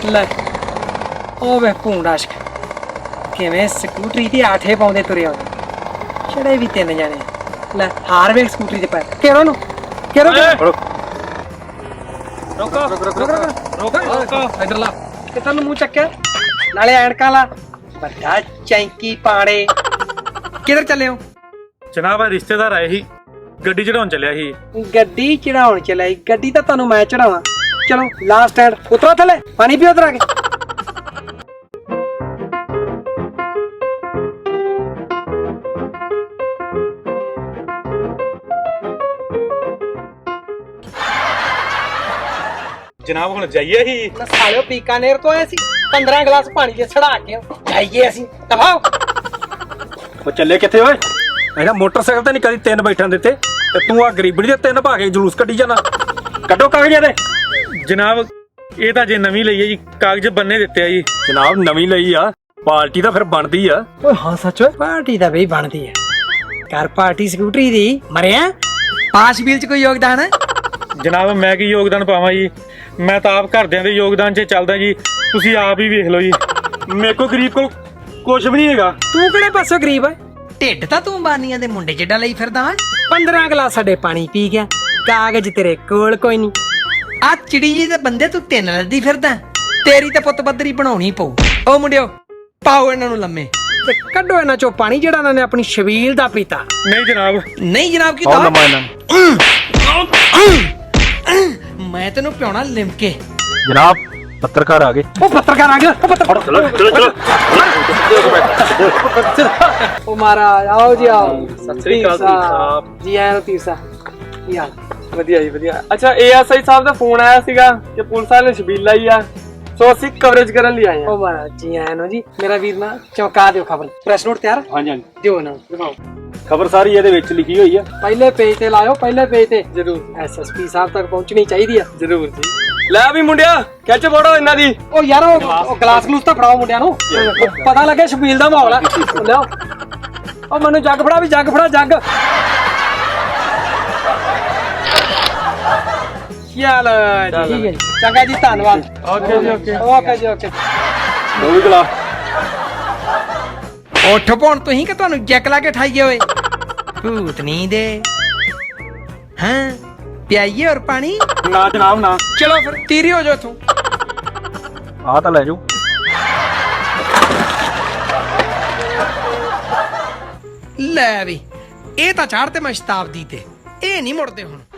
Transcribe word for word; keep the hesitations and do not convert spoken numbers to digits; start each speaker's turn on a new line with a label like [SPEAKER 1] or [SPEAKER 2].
[SPEAKER 1] ਲੈ ਉਹ ਵੇ ਭੂੰਡਾਸ਼ਕ ਕਿਵੇਂ ਸਕੂਟਰੀ ਤੇ ਆਠੇ ਪਾਉਂਦੇ ਤੁਰੇ ਆਉਂਦੇ ਚੜੇ ਵੀ ਤਿੰਨ ਜਾਣੇ ਲੈ ਹਾਰ ਵੇਖ ਸਕੂਟਰੀ ਤੇ ਪੈ ਕਿਹੜਾ ਨੂੰ ਕਿਹੜਾ ਰੋਕੋ ਰੋਕੋ ਰੋਕੋ ਰੋਕੋ ਇਧਰ ਲਾ ਕਿੱਥੇ ਨੂੰ ਮੂੰਹ ਚੱਕਿਆ ਨਾਲੇ ਐਨਕਾਂ ਲਾ ਵੱਡਾ ਚੈਂਕੀ ਪਾੜੇ ਕਿੱਧਰ ਚੱਲੇ ਹੋ
[SPEAKER 2] ਜਨਾਬ ਆ ਰਿਸ਼ਤੇਦਾਰ ਆਏ ਸੀ ਗੱਡੀ ਚੜਾਉਣ ਚੱਲਿਆ ਸੀ
[SPEAKER 1] ਗੱਡੀ ਚੜਾਉਣ ਚੱਲਿਆ ਸੀ ਗੱਡੀ ਤਾਂ ਤੁਹਾਨੂੰ ਮੈਂ ਚੜਾਵਾਂ ਚਲੋ ਲਾਸਟ ਸਟੈਂਡ ਉਤਰੋ ਥੱਲੇ ਪਾਣੀ ਪੀਓ ਉਤਰ ਆ ਕੇ
[SPEAKER 2] ਜਨਾਬ ਹੁਣ ਜਾਈਏ ਹੀ
[SPEAKER 1] ਮੈਂ ਸਾਲਿਓ ਬੀਕਾਨੇਰ ਤੋਂ ਆਏ ਸੀ ਪੰਦਰਾਂ ਗਲਾਸ ਪਾਣੀ ਦੇ ਛੜਾ ਕੇ ਜਾਈਏ ਅਸੀਂ ਦਫਾਓ
[SPEAKER 3] ਉਹ ਚੱਲੇ ਕਿੱਥੇ ਓਏ ਇਹਨਾਂ ਮੋਟਰਸਾਈਕਲ ਤੇ ਨਹੀਂ ਕਦੀ ਤਿੰਨ ਬੈਠਣ ਦਿੱਤੇ ਤੇ ਤੂੰ ਆ ਗਰੀਬੜੀ ਦੇ ਤਿੰਨ ਪਾ ਕੇ ਜਲੂਸ ਕੱਢੀ ਜਾਣਾ ਕੱਢੋ ਕਾਗਜ਼ਾਂ ਦੇ
[SPEAKER 2] ਜਨਾਬ ਇਹ ਤਾਂ ਜੇ ਨਵੀਂ ਲਈ ਹੈ ਜੀ ਕਾਗਜ਼ ਬੰਨੇ ਦਿੱਤੇ ਆ ਜੀ
[SPEAKER 3] ਜਨਾਬ ਨਵੀਂ ਲਈ ਆ ਪਾਰਟੀ ਤਾਂ ਫਿਰ ਬਣਦੀ ਆ
[SPEAKER 1] ਓਏ ਹਾਂ ਸੱਚ ਓਏ ਪਾਰਟੀ ਤਾਂ ਬਈ ਬਣਦੀ ਹੈ ਕਰ ਪਾਰਟੀ ਸਕੂਟਰੀ ਦੀ ਮਰਿਆ ਪਾਸ ਵੀਲ ਚ ਕੋਈ ਯੋਗਦਾਨ ਹੈ
[SPEAKER 2] ਜਨਾਬ ਮੈਂ ਕੀ ਯੋਗਦਾਨ ਪਾਵਾਂ ਜੀ ਮੈਂ ਤਾਂ ਆਪ ਘਰਦਿਆਂ ਦੇ ਯੋਗਦਾਨ 'ਚ ਚੱਲਦਾ ਜੀ ਤੁਸੀਂ ਆਪ ਹੀ ਵੇਖ ਲਓ ਜੀ
[SPEAKER 3] ਮੇਰੇ ਕੋਲ ਗਰੀਬ ਕੋਲ ਕੁਝ ਵੀ ਨਹੀਂ ਹੈਗਾ
[SPEAKER 1] ਤੂੰ ਕਿਹੜੇ ਪਾਸੋਂ ਗਰੀਬ ਹੈ ਢਿੱਡ ਤਾਂ ਤੂੰ ਬਾਨੀਆਂ ਦੇ ਮੁੰਡੇ ਜਿੱਡਾ ਲਈ ਫਿਰਦਾ ਹੈ ਪੰਦਰਾਂ ਗਲਾਸ ਸਾਡੇ ਪਾਣੀ ਪੀ ਗਿਆ ਕਾਗਜ਼ ਤੇਰੇ ਕੋਲ ਕੋਈ ਨਹੀਂ ਆ ਚਿੜੀ ਜੀ ਦੇ ਬੰਦੇ ਤੂੰ ਤਿੰਨ ਲੱਦੀ ਫਿਰਦਾ ਤੇਰੀ ਤਾਂ ਪੁੱਤ ਬੱਦਰੀ ਬਣਾਉਣੀ ਪਊ ਓ ਮੁੰਡਿਓ ਪਾਓ ਇਹਨਾਂ ਨੂੰ ਲੰਮੇ ਤੇ ਕੱਢੋ ਇਹਨਾਂ ਚੋਂ ਪਾਣੀ ਜਿਹੜਾ ਇਹਨਾਂ ਨੇ ਆਪਣੀ ਸ਼ਬੀਲ ਦਾ ਪੀਤਾ
[SPEAKER 2] ਨਹੀਂ ਜਨਾਬ
[SPEAKER 1] ਨਹੀਂ ਜਨਾਬ ਕੀ
[SPEAKER 3] ਆਹ ਲੰਮਾ ਇਹਨਾਂ
[SPEAKER 1] ਮੈਂ ਤੈਨੂੰ ਪਿਉਣਾ ਲਿਮਕੇ
[SPEAKER 3] ਜਨਾਬ ਪੱਤਰਕਾਰ ਆ ਗਏ
[SPEAKER 1] ਉਹ ਪੱਤਰਕਾਰ ਆ ਗਿਆ ਉਹ ਪੱਤਰ
[SPEAKER 3] ਚਲੋ ਚਲੋ ਚਲੋ
[SPEAKER 1] ਉਹ ਮਹਾਰਾਜ ਆਓ ਜੀ ਆਓ
[SPEAKER 4] ਸਤਿ ਸ੍ਰੀ ਅਕਾਲ ਸਾਹਿਬ
[SPEAKER 1] ਜੀ ਆਇਆਂ ਤੀਰਸਾ ਕੀ ਹਾਲ
[SPEAKER 4] ਵਧੀਆ ਜੀ ਵਧੀਆ ਅੱਛਾ ਏਐਸਆਈ ਸਾਹਿਬ ਦਾ ਫੋਨ ਆਇਆ ਸੀਗਾ ਕਿ ਪੁਲਿਸ ਵਾਲੇ ਨੇ ਛਬੀਲ ਲਾਈ ਆ ਸੋ ਅਸੀਂ ਕਵਰੇਜ ਕਰਨ ਲਈ ਆਏ
[SPEAKER 1] ਉਹ ਮਹਾਰਾਜ ਜੀ ਆਇਆਂ ਨੂੰ ਜੀ ਮੇਰਾ ਵੀਰ ਨਾ ਚੌਂਕਾ ਦਿਓ ਖਬਰ ਪ੍ਰੈਸ ਨੋਟ ਤਿਆਰ
[SPEAKER 3] ਹਾਂਜੀ ਹਾਂਜੀ
[SPEAKER 1] ਦਿਓ ਨਾ ਦਿਖਾਓ
[SPEAKER 3] ਖਬਰ ਸਾਰੀ ਇਹਦੇ ਵਿੱਚ ਲਿਖੀ ਹੋਈ ਆ
[SPEAKER 1] ਪਹਿਲੇ ਪੇਜ ਤੇ ਲਾਇਓ ਪਹਿਲੇ ਪੇਜ ਤੇ
[SPEAKER 4] ਜਰੂਰ
[SPEAKER 1] ਐਸਐਸਪੀ ਸਾਹਿਬ ਤੱਕ ਪਹੁੰਚਣੀ ਚਾਹੀਦੀ ਆ
[SPEAKER 4] ਜਰੂਰ ਜੀ ਲੈ ਵੀ ਮੁੰਡਿਆ ਖਿੱਚ ਫੋੜੋ ਇਹਨਾਂ ਦੀ
[SPEAKER 1] ਉਹ ਯਾਰ ਉਹ ਉਹ ਗਲਾਸ ਗਲੂਸ ਤਾਂ ਫੜਾਓ ਮੁੰਡਿਆਂ ਨੂੰ ਪਤਾ ਲੱਗੇ ਸ਼ਬੀਲ ਦਾ ਮਾਹੌਲ ਆ ਲਿਓ ਉਹ ਮੈਨੂੰ ਜੱਗ ਫੜਾ ਵੀ ਜੱਗ ਫੜਾ ਜੱਗ ਚੱਲ ਠੀਕ ਹੈ ਜੀ ਚੰਗਾ ਜੀ ਧੰਨਵਾਦ
[SPEAKER 4] ਓਕੇ ਜੀ ਓਕੇ
[SPEAKER 1] ਓਕੇ ਜੀ ਓਕੇ
[SPEAKER 3] ਦੋ ਵੀ ਗਲਾ
[SPEAKER 1] ਉੱਠ ਪੌਣ ਤੁਸੀਂ ਕਿ ਤੁਹਾਨੂੰ ਜੈਕ ਲਾ ਕੇ ਠਾਈਏ ਓਏ ਭੂਤਨੀ ਦੇ ਹਾਂ ਪਿਆਈਏ ਔਰ ਪਾਣੀ
[SPEAKER 3] ਨਾ ਜਨਾਬ ਨਾ
[SPEAKER 1] ਚਲੋ ਫਿਰ ਤੀਰੀ ਹੋ ਜਾਓ ਇੱਥੋਂ
[SPEAKER 3] ਆ ਤਾਂ ਲੈ ਜਾਓ
[SPEAKER 1] ਲੈ ਵੀ ਇਹ ਤਾਂ ਚਾੜ ਤੇ ਮੈਂ ਸ਼ਤਾਬਦੀ ਤੇ ਇਹ ਨਹੀਂ ਮੁੜਦੇ ਹੁਣ